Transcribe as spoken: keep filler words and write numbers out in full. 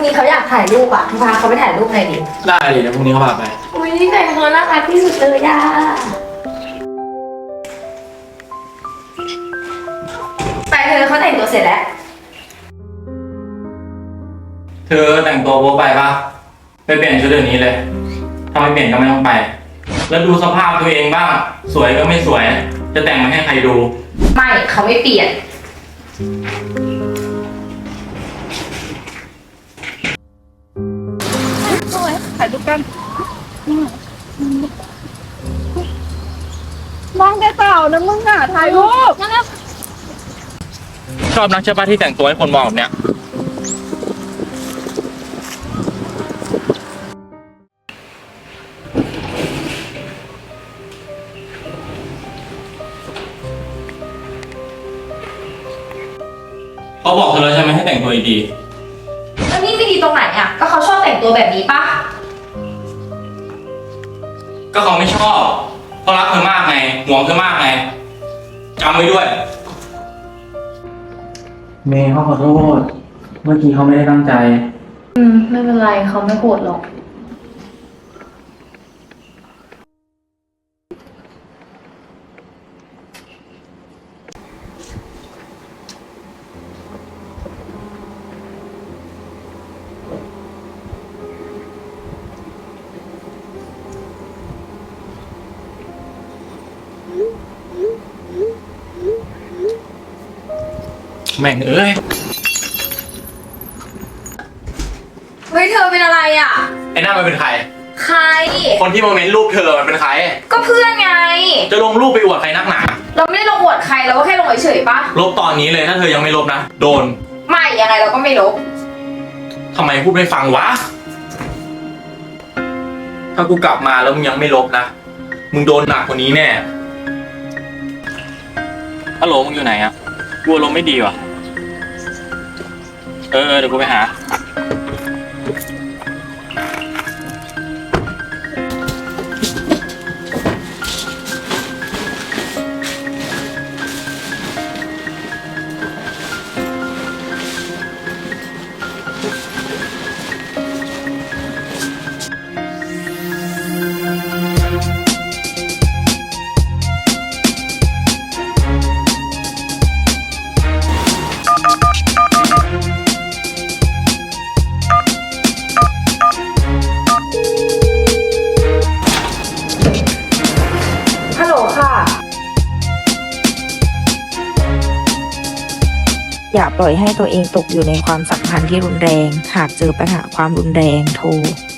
นี้เขาอยากถ่ายรูปอ่ะพาเขาไปถ่ายรูปหน่อยดิได้เลยเดี๋ยวพรุ่งนี้เขาพาไปอุ้ยนี่แต่งตัวน่ารักที่สุดเลยอ่ะไปเธอเขาแต่งตัวเสร็จแล้วเธอแต่งตัวโป๊ไปปะไปเปลี่ยนชุดเดี๋ยวนี้เลยถ้าไม่เปลี่ยนก็ไม่ต้องไป แล้วดูสภาพตัวเองบ้างสวยก็ไม่สวย จะแต่งมาให้ใครดูไม่เขาไม่เปลี่ยนถ่ายรูปกันมองแต่เต่านะมึงอ่ะถ่ายรูปชอบนักใช่ปะที่แต่งตัวให้คนมองแบบเนี้ยเขาบอกเธอแล้วใช่ไหมให้แต่งตัวดีแล้วนี่ไม่ดีตรงไหนอ่ะก็เขาชอบแต่งตัวแบบนี้ปะๆก็เขาไม่ชอบเขารักเธอมากไงห่วงเธอมากไงจำไว้ด้วยเมย์เขาขอโทษเมื่อกี้เขาไม่ได้ตั้งใจอืมไม่เป็นไรเขาไม่โกรธหรอกแม่งเอ้ยเฮ้ยเธอเป็นอะไรอ่ะไอ้นั่นมันเป็นใครใครคนที่มาเมนรูปเธอมันเป็นใครก็เพื่อนไงจะลงรูปไปอวดใครนักหนาเราไม่ได้ลงอวดใครเราก็แค่ลงเฉยๆปะลบตอนนี้เลยถ้าเธอยังไม่ลบนะ โดนไม่ยังไงเราก็ไม่ลบทำไมพูดไม่ฟังวะ ถ้ากูกลับมาแล้วมึงยังไม่ลบนะ มึงโดนหนักกว่านี้แน่ฮัลโหลมึงอยู่ไหนอะกูอารมณ์ไม่ดีว่ะ เออเดี๋ยวกูไปหาฮัลโหลค่ะอย่าปล่อยให้ตัวเองตกอยู่ในความสัมพันธ์ที่รุนแรง หากเจอปัญหาความรุนแรงโทร